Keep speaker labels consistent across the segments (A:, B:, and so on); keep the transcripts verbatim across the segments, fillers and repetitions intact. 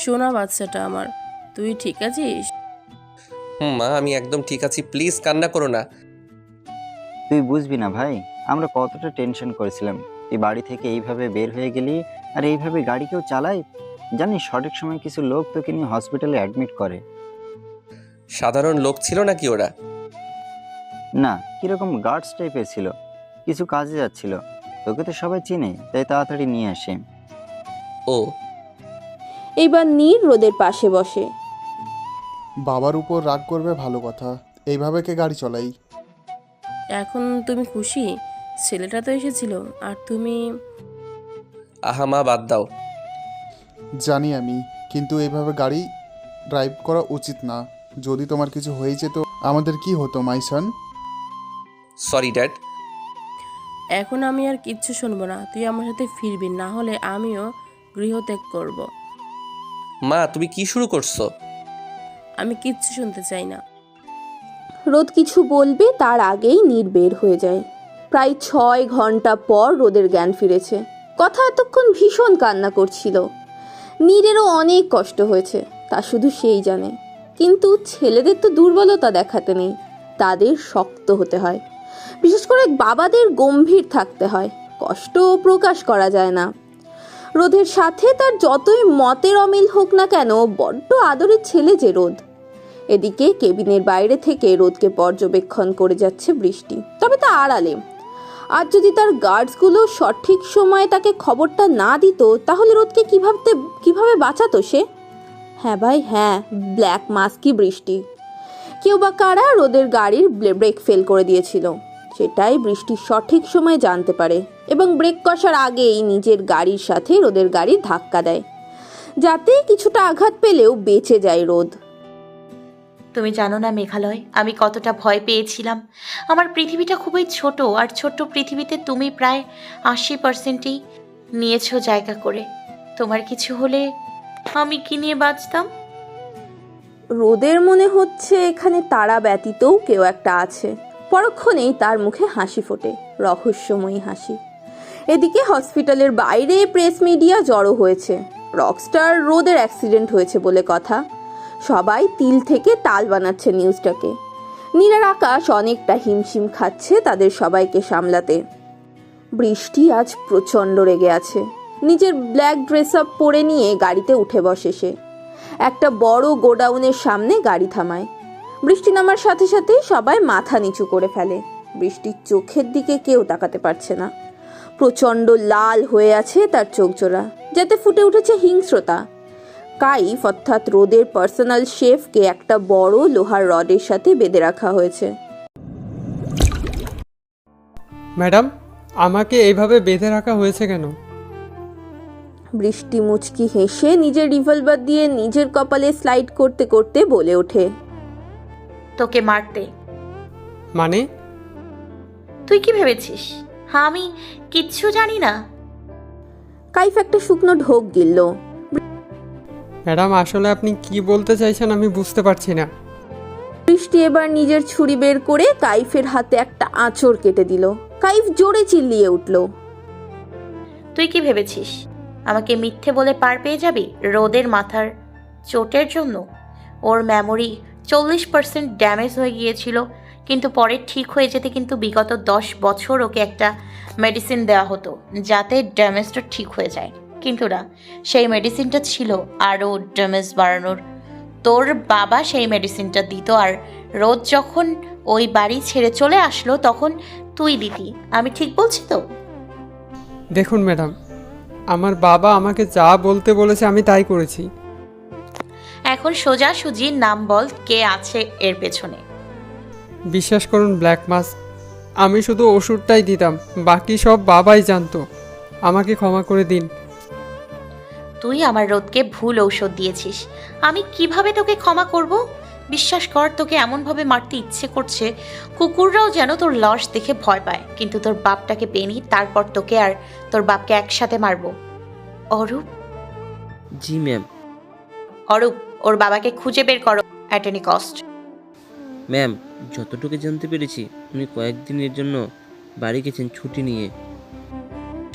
A: সোনা বাচ্চাটা আমার, তুই ঠিক আছিস?
B: হুম মা, আমি একদম ঠিক আছি, প্লিজ কান্না করো না।
C: তুই বুঝবি না ভাই, আমরা কতটা টেনশন করেছিলাম। তুই বাড়ি থেকে এইভাবে বের হয়ে গেলি, আর এইভাবে গাড়ি কেউ চালায়? জানিস সঠিক সময় কিছু লোক তোকে নিয়ে হসপিটালে অ্যাডমিট করে।
B: সাধারণ লোক ছিল নাকি ওরা?
C: না, কিরকম গার্ডস টাইপের ছিল, কিছু কাজে যাচ্ছিল। তোকে তো সবাই চিনে, তাই তাড়াতাড়ি নিয়ে আসে।
B: ও,
D: এইবার নীর রোদের পাশে বসে।
E: বাবার উপর রাগ করবে ভালো কথা, এইভাবে কে গাড়ি চলাই?
A: এখন তুমি খুশি? ছেলেটা তো এসেছিল, আর তুমি?
B: আহা মা, বাদ দাও।
E: জানি আমি, কিন্তু এইভাবে গাড়ি ড্রাইভ করা উচিত না। যদি তোমার কিছু হয়ে যেত আমাদের কি হতো মাই সন?
B: Sorry dad.
A: এখন আমি আর কিচ্ছু শুনবো না, তুই আমার সাথে ফিরবি, না হলে আমিও গৃহত্যাগ করব।
B: মা, তুমি কি শুরু করছো?
A: আমি কিচ্ছু শুনতে চাই না।
D: রোদ কিছু বলবে তার আগেই নীর বের হয়ে যায়। প্রায় ছয় ঘন্টা পর রোদের জ্ঞান ফিরেছে। কথা এতক্ষণ ভীষণ কান্না করছিল। নীরেরও অনেক কষ্ট হয়েছে, তা শুধু সেই জানে। কিন্তু ছেলেদের তো দুর্বলতা দেখাতে নেই, তাদের শক্ত হতে হয়। বিশেষ করে বাবাদের গম্ভীর থাকতে হয়, কষ্ট প্রকাশ করা যায় না। রোদের সাথে তার যতই মতের অমিল হোক না কেন, বড্ড আদরের ছেলে যে রোদ। এদিকে কেবিনের বাইরে থেকে রোদকে পর্যবেক্ষণ করে যাচ্ছে বৃষ্টি, তবে তা আড়ালে। আর যদি তার গার্ডসগুলো সঠিক সময়ে তাকে খবরটা না দিত, তাহলে রোদকে কিভাবে কিভাবে বাঁচাতো সে? হ্যাঁ ভাই হ্যাঁ, ব্ল্যাক মাস্কি বৃষ্টি। কেউ বা কারা রোদের গাড়ির ব্রেক ফেল করে দিয়েছিল, সেটাই বৃষ্টি সঠিক সময়ে জানতে পারে এবং ব্রেক কষার আগেই নিজের গাড়ির সাথে রোদের গাড়ির ধাক্কা দেয়, যাতে কিছুটা আঘাত পেলেও বেঁচে যায় রোদ।
F: তুমি জানো না মেঘালয়, আমি কতটা ভয় পেয়েছিলাম। আমার পৃথিবীটা খুবই ছোট, আর ছোট্ট পৃথিবীতে তুমি প্রায় আশি পার্সেন্টই নিয়েছো জায়গা করে। তোমার কিছু হলে আমি কি নিয়ে বাঁচতাম?
D: রোদের মনে হচ্ছে এখানে তারা ব্যতীতও কেউ একটা আছে। পরক্ষণেই তার মুখে হাসি ফোটে, রহস্যময়ী হাসি। এদিকে হসপিটালের বাইরে প্রেস মিডিয়া জড়ো হয়েছে। রকস্টার রোদের অ্যাক্সিডেন্ট হয়েছে বলে কথা। সবাই তিল থেকে তাল বানাচ্ছে নিউজটাকে। নীলার আকাশ অনেকটা হিমশিম খাচ্ছে তাদের সবাইকে সামলাতে। বৃষ্টি আজ প্রচণ্ড রেগে আছে। নিজের ব্ল্যাক ড্রেস আপ পরে নিয়ে গাড়িতে উঠে বসে সে। একটা বড় গোডাউনের সামনে গাড়ি থামায়। বৃষ্টি নামার সাথে সাথেই সবাই মাথা নিচু করে ফেলে। বৃষ্টির চোখের দিকে কেউ তাকাতে পারছে না। প্রচণ্ড লাল হয়ে আছে তার চোখ জোড়া, যাতে ফুটে উঠেছে হিংস্রতা। কাইফ অর্থাৎ রোদের পার্সোনাল শেফকে একটা বড় লোহার রডের সাথে বেঁধে রাখা হয়েছে।
G: ম্যাডাম, আমাকে এইভাবে বেঁধে রাখা হয়েছে কেন?
D: বৃষ্টি মুচকি হেসে নিজের রিভলভার দিয়ে নিজের কপালে স্লাইড করতে করতে বলে ওঠে,
F: তোকে মারতে।
G: মানে?
F: তুই কি ভেবেছিস হ্যাঁ আমি কিচ্ছু জানি না?
D: কাইফ একটা শুকনো ঢোক গিলল।
G: ম্যাডাম, আসলে আপনি কি বলতে চাইছেন আমি বুঝতে পারছি না।
D: বৃষ্টি এবার নিজের ছুরি বের করে কাইফের হাতে একটা আঁচড় কেটে দিল। কাইফ জোরে চিল্লিয়ে উঠল,
F: তুই কি ভেবেছিস আমাকে মিথ্যে বলে পার পেয়ে যাবি রোদের মাথার চোটের জন্য? ওর মেমোরি চল্লিশ পার্সেন্ট ড্যামেজ হয়ে গিয়েছিল, কিন্তু পরে ঠিক হয়ে যেতে কিন্তু বিগত দশ বছর ওকে একটা মেডিসিন দেওয়া হতো যাতে ড্যামেজটা ঠিক হয়ে যায়। কিন্তু না, সেই মেডিসিনটা ছিল আরও ড্যামেজ বাড়ানোর। তোর বাবা সেই মেডিসিনটা দিত, আর রোদ যখন ওই বাড়ি ছেড়ে চলে আসলো তখন তুই দিতি। আমি ঠিক বলছি তো?
G: দেখুন ম্যাডাম, আমার বাবা আমাকে যা বলতে বলেছে আমি তাই করেছি।
F: এখন সোজাসুজি নাম বল, কে আছে এর পেছনে?
G: বিশ্বাস করুন ব্ল্যাক মাস, আমি শুধু ওষুধটাই দিতাম, বাকি সব বাবাই জানতো। আমাকে ক্ষমা করে দিন।
F: তুই আমার রোদকে ভুল ঔষধ দিয়েছিস, আমি কিভাবে তোকে ক্ষমা করব? বিশ্বাস কর, তোকে এমনভাবে মারতে ইচ্ছে করছে কুকুররাও যেন তোর লাশ দেখে ভয় পায়। কিন্তু তোর বাপটাকে পেনি, তারপর তোকে আর তোর বাপকে একসাথে মারবো। অরূপ।
H: জি ম্যাম।
F: অরূপ, ওর বাবাকে খুঁজে বের করো অ্যাট এনি কস্ট।
H: ম্যাম, যতটুকু জানতে পেরেছি উনি কয়েকদিনের জন্য বাড়ি গেছেন ছুটি নিয়ে।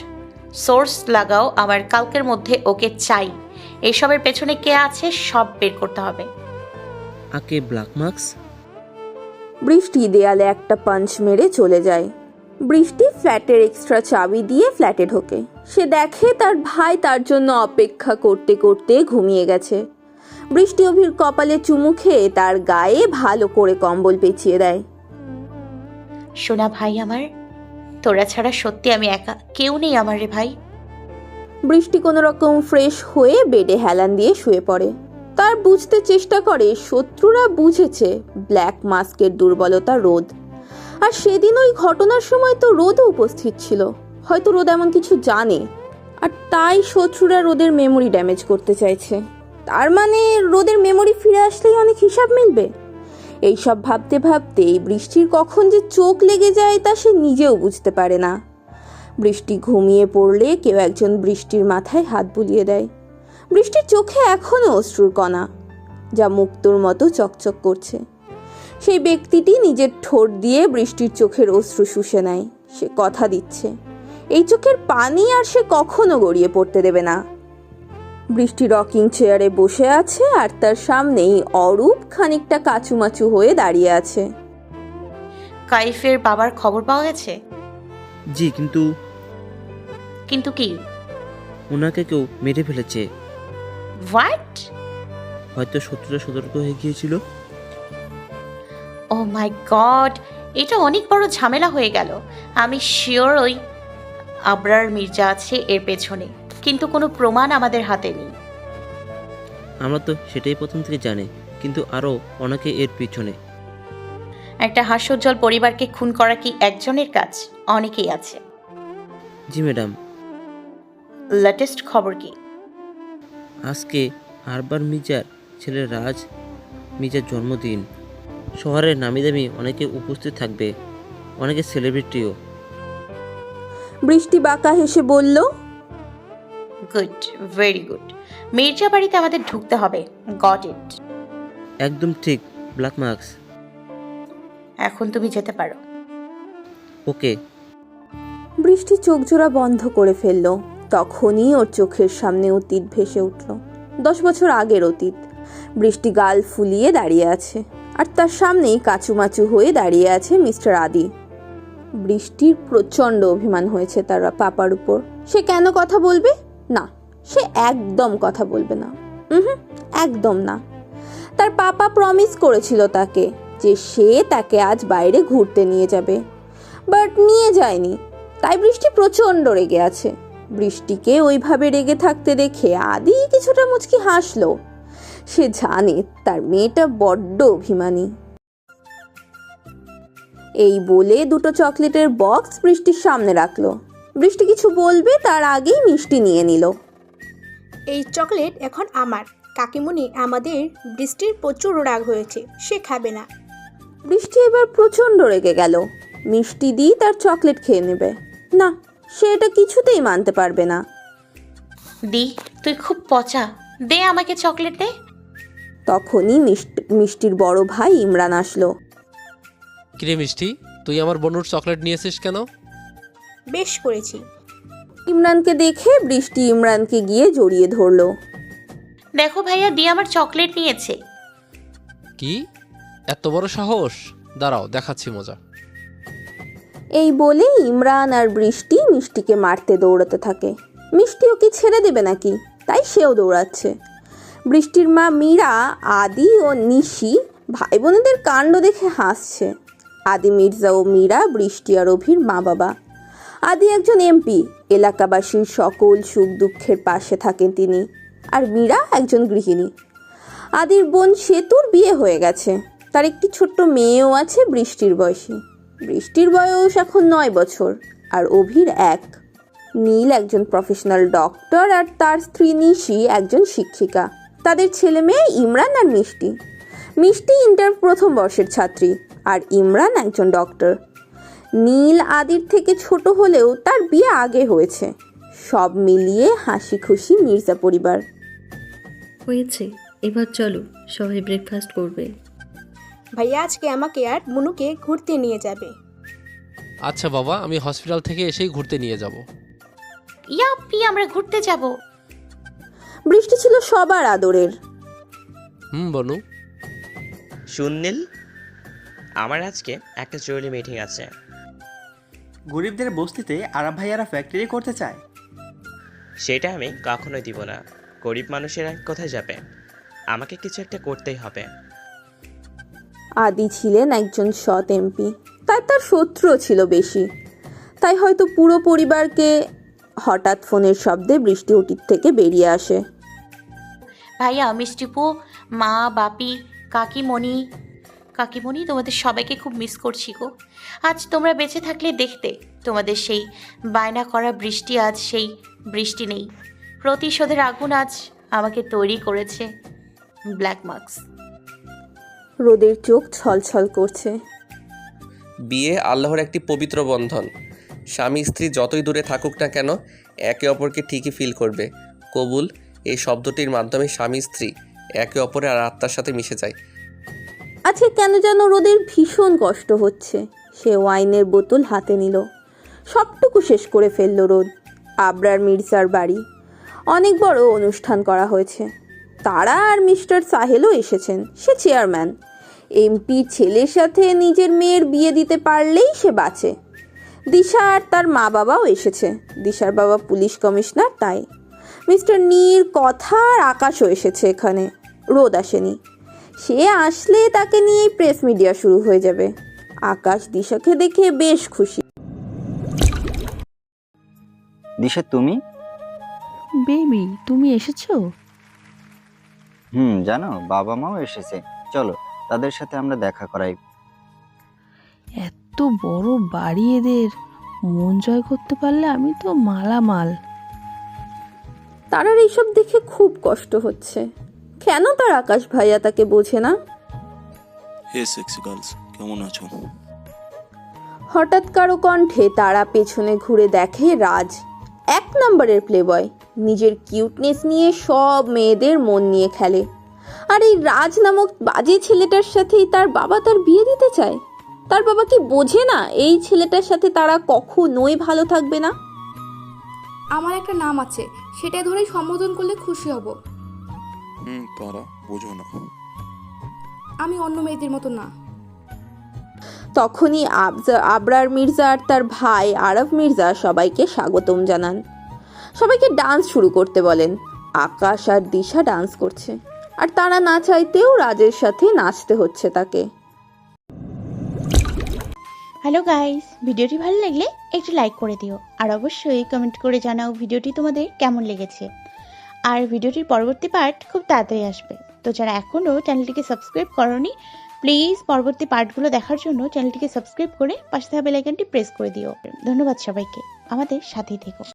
F: সোর্স লাগাও, আমার কালকের মধ্যে ওকে চাই। এসবের পেছনে কে আছে সব বের করতে হবে।
H: আকে ব্ল্যাক মার্কস?
D: বৃষ্টি দেয়ালে একটা পাঞ্চ মেরে চলে যায়। বৃষ্টি ফ্ল্যাটের এক্সট্রা চাবি দিয়ে ফ্ল্যাটে ঢোকে। সে দেখে তার ভাই তার জন্য অপেক্ষা করতে করতে ঘুমিয়ে গেছে। বৃষ্টি অভির কপালে চুমু খেয়ে তার গায়ে ভালো করে কম্বল পেঁচিয়ে দেয়।
F: সোনা ভাই আমার, তোরা ছাড়া সত্যি আমি একা, কেউ নেই আমার রে ভাই।
D: বৃষ্টি কোনো রকম ফ্রেশ হয়ে বেডে হেলান দিয়ে শুয়ে পড়ে। তার বুঝতে চেষ্টা করে শত্রুরা বুঝেছে ব্ল্যাক মাস্কের দুর্বলতা রোদ। আর সেদিন ওই ঘটনার সময় তো রোদও উপস্থিত ছিল। হয়তো রোদ এমন কিছু জানে, আর তাই শত্রুরা রোদের মেমোরি ড্যামেজ করতে চাইছে। তার মানে রোদের মেমোরি ফিরে আসলেই অনেক হিসাব মিলবে। এইসব ভাবতে ভাবতেই বৃষ্টির কখন যে চোখ লেগে যায় তা সে নিজেও বুঝতে পারে না। বৃষ্টি ঘুমিয়ে পড়লে কেউ একজন বৃষ্টির মাথায় হাত বুলিয়ে দেয়। বৃষ্টির চোখে এখনও অশ্রুর কণা, যা মুক্তোর মতো চকচক করছে। সেই ব্যক্তিটি নিজের ঠোঁট দিয়ে বৃষ্টির চোখের অশ্রু শুষে নেয়। সে কথা দিচ্ছে এই চোখের পানি আর সে কখনো গড়িয়ে পড়তে দেবে না। বৃষ্টি রকিং চেয়ারে বসে আছে আর তার সামনেই অরূপ খানিকটা কাচুমাচু হয়ে দাঁড়িয়ে আছে।
F: কাইফের বাবার খবর পাওয়া গেছে?
H: জি, কিন্তু
F: কিন্তু কি?
H: ওনাকে কেউ মেরে ফেলেছে।
F: হোয়াট?
H: হয়তো শত্রুরা সতর্ক হয়ে গিয়েছিল।
F: ও মাই গড, এটা অনেক বড় ঝামেলা হয়ে গেল। আমি শিওর ওই আবরার মির্জা আছে এর পেছনে, কিন্তু কোনো প্রমাণ আমাদের হাতে নেই।
H: আমরা তো সেটাই প্রথম থেকে জানি, কিন্তু আরও অনেকে এর পিছনে।
F: একটা হাস্যোজ্জ্বল পরিবারকে খুন করা কি একজনের কাজ? অনেকেই আছে।
H: জি ম্যাডাম।
F: লেটেস্ট খবর কি?
H: আজকে আরবার মির্জার ছেলে রাজ মির্জার জন্মদিন। শহরের নামি দামি অনেকে উপস্থিত থাকবে, অনেকে সেলিব্রিটিও।
D: বৃষ্টি বাঁকা হেসে বলল,
F: গুড, ভেরি গুড। মির্জা বাড়িতে আমাদের ঢুকতে হবে। Got it.
H: একদম ঠিক, ব্ল্যাক মার্কস।
F: এখন তুমি যেতে পারো।
H: ওকে।
D: বৃষ্টি চোখ জোড়া বন্ধ করে ফেলল। তখনই ওর চোখের সামনে অতীত ভেসে উঠল। দশ বছর আগের অতীত। বৃষ্টি গাল ফুলিয়ে দাঁড়িয়ে আছে, আর তার সামনেই কাচুমাচু হয়ে দাঁড়িয়ে আছে মিস্টার আদি। বৃষ্টির প্রচণ্ড অভিমান হয়েছে তার পাপার উপর। সে কেন কথা বলবে না? সে একদম কথা বলবে না। হুম, একদম না। তার পাপা প্রমিস করেছিল তাকে যে সে তাকে আজ বাইরে ঘুরতে নিয়ে যাবে, বাট নিয়ে যায়নি। তাই বৃষ্টি প্রচণ্ড রেগে আছে। বৃষ্টিকে ওইভাবে রেগে থাকতে দেখে আদি কিছুটা মুচকি হাসলো। সে জানে তার মেয়েটা বড্ড অভিমানী। এই বলে দুটো চকলেটের বক্স বৃষ্টির সামনে রাখলো। বৃষ্টি কিছু বলবে তার আগেই মিষ্টি নিয়ে নিল।
I: এই চকলেট এখন আমার। কাকিমুনি, আমাদের বৃষ্টির প্রচুর রাগ হয়েছে, সে খাবে না।
D: বৃষ্টি এবার প্রচণ্ড রেগে গেল। মিষ্টি দিয়ে তার চকলেট খেয়ে নেবে না, সে এটা কিছুতেই মানতে পারবে না।
F: দি, তুই খুব পচা, দে আমাকে চকলেট দে।
D: তখনই মিষ্টির বড় ভাই ইমরান আসলো।
J: কিরে মিষ্টি, তুই আমার বনুর চকলেট নিয়েছিস কেন?
I: বেশ করেছি।
D: ইমরানকে দেখে বৃষ্টি ইমরানকে গিয়ে জড়িয়ে ধরলো।
F: দেখো ভাইয়া, দি আমার চকলেট নিয়েছে।
J: কি এত বড় সাহস? দাঁড়াও, দেখাচ্ছি মজা।
D: এই বলে ইমরান আর বৃষ্টি মিষ্টিকে মারতে দৌড়াতে থাকে। মিষ্টি ওকে ছেড়ে দেবে নাকি, তাই সেও দৌড়াচ্ছে। বৃষ্টির মা মীরা, আদি ও নিশি ভাই বোনেদের কাণ্ড দেখে হাসছে। আদি মির্জা ও মীরা বৃষ্টি আর অভির মা বাবা। আদি একজন এমপি, এলাকাবাসীর সকল সুখ দুঃখের পাশে থাকেন তিনি। আর মীরা একজন গৃহিণী। আদির বোন সেতুর বিয়ে হয়ে গেছে, তার একটি ছোট্ট মেয়েও আছে বৃষ্টির বয়সী। বৃষ্টির বয়স এখন নয় বছর আর অভির এক। নীল একজন প্রফেশনাল ডক্টর আর তার স্ত্রী নিশি একজন শিক্ষিকা। তাদের ছেলে মেয়ে ইমরান আর মিষ্টি। মিষ্টি ইন্টার প্রথম বর্ষের ছাত্রী আর ইমরান একজন ডক্টর। নীল আদির থেকে ছোট হলেও তার বিয়ে আগে হয়েছে। সব মিলিয়ে হাসি খুশি মির্জা পরিবার।
K: হয়েছে, এবার চলো সবাই ব্রেকফাস্ট করবে।
I: ভাইয়া আজকে আমাকে আর মুনুকে ঘুরতে নিয়ে যাবে।
J: আচ্ছা বাবা, আমি হসপিটাল থেকে এসেই ঘুরতে নিয়ে যাব।
F: ইয়াপ্পি আমরা ঘুরতে যাব।
D: বৃষ্টি ছিল সবার আদরের।
J: হুম বনু।
L: সুনীল, আমার আজকে একটা জরুরি মিটিং আছে।
M: গরিবদের বস্তিতে আরব ভাইয়ারা ফ্যাক্টরি করতে চায়।
L: সেটা আমি কখনোই দিব না। গরিব মানুষেরা কোথায় যাবে? আমাকে কিছু একটা করতেই হবে।
D: আদি ছিলেন একজন সৎ এমপি, তাই তার শত্রুও ছিল বেশি। তাই হয়তো পুরো পরিবারকে হঠাৎ ফোনের শব্দে বৃষ্টি ওটির থেকে বেরিয়ে আসে।
F: ভাইয়া, মিষ্টিপু, মা, বাপি, কাকিমণি কাকিমণি তোমাদের সবাইকে খুব মিস করছি গো। আজ তোমরা বেঁচে থাকলে দেখতে তোমাদের সেই বায়না করা বৃষ্টি আজ সেই বৃষ্টি নেই। প্রতিশোধের আগুন আজ আমাকে তৈরি করেছে ব্ল্যাক মার্কস।
D: রোদের চোখ ছলছল করছে।
B: বিয়ে আল্লাহর একটি পবিত্র বন্ধন। স্বামী স্ত্রী যতই দূরে থাকুক না কেন, একে অপরকে ঠিকই ফিল করবে। কবুল এই শব্দটির মাধ্যমে স্বামী স্ত্রী একে অপরের আর আত্মার সাথে মিশে যায়।
D: আজকে কেন যেন রোদের ভীষণ কষ্ট হচ্ছে। সে ওয়াইনের বোতল হাতে নিল, সবটুকু শেষ করে ফেলল রোদ। আবরার মির্জার বাড়ি অনেক বড় অনুষ্ঠান করা হয়েছে। তারা আর মিস্টার সাহেলও এসেছেন। সে চেয়ারম্যান। এমপি ছেলের সাথে নিজের মেয়ের বিয়ে দিতে পারলেই সে বাঁচে। দিশা আর তার মা বাবাও এসেছে। দিশার বাবা পুলিশ কমিশনার, তাই মিস্টার নীর কথা আর আকাশও এসেছে এখানে। রোদ আসেনি। সে আসলে তাকে নিয়ে প্রেস মিডিয়া শুরু হয়ে যাবে। আকাশ দিশাকে দেখে বেশ খুশি।
C: দিশা, তুমি?
K: বেবি, তুমি এসেছো?
C: হুম, জানো বাবা মাও এসেছে। চলো তাদের সাথে আমরা দেখা করাই।
K: এত বড় বাড়ি এদের, মন জয় করতে পারলে আমি তো মালামাল।
D: তারার এইসব দেখে খুব কষ্ট হচ্ছে। কেন তার আকাশ ভাইয়া তাকে বোঝে না?
N: হে সেক্সি গার্লস, কেমন আছো?
D: হঠাৎ কারো কণ্ঠে তারা পেছনে ঘুরে দেখে রাজ, এক নম্বরের প্লেবয়। নিজের কিউটনেস নিয়ে সব মেয়েদের মন নিয়ে খেলে। আর এই রাজ নামক বাজে ছেলেটার সাথেই তার বাবা তার বিয়ে দিতে চায়। তার বাবা কি বোঝে না এই ছেলেটার সাথে তারা কখনোই ভালো থাকবে না?
O: আমার একটা নাম আছে, সেটা ধরেই সম্বোধন করলে খুশি হব।
N: হুম, তারা বোঝো না,
O: আমি অন্য মেয়েদের মতো না।
D: তখনই আবজা আবরার মির্জা আর তার ভাই আরব মির্জা সবাইকে স্বাগতম জানান। সবাইকে ডান্স শুরু করতে বলেন। আকাশ আর দিশা ডান্স করছে, আর তারা না চাইতেও রাজের সাথে নাচতে হচ্ছে তাকে।
P: হ্যালো গাইস, ভিডিওটি ভালো লাগলে একটু লাইক করে দিও, আর অবশ্যই কমেন্ট করে জানাও ভিডিওটি তোমাদের কেমন লেগেছে। আর ভিডিওটির পরবর্তী পার্ট খুব তাড়াতাড়ি আসবে। তো যারা এখনও চ্যানেলটিকে সাবস্ক্রাইব করোনি, প্লিজ পরবর্তী পার্টগুলো দেখার জন্য চ্যানেলটিকে সাবস্ক্রাইব করে পাশে থাকা বেল আইকনটি প্রেস করে দিও। ধন্যবাদ সবাইকে, আমাদের সাথেই থেকো।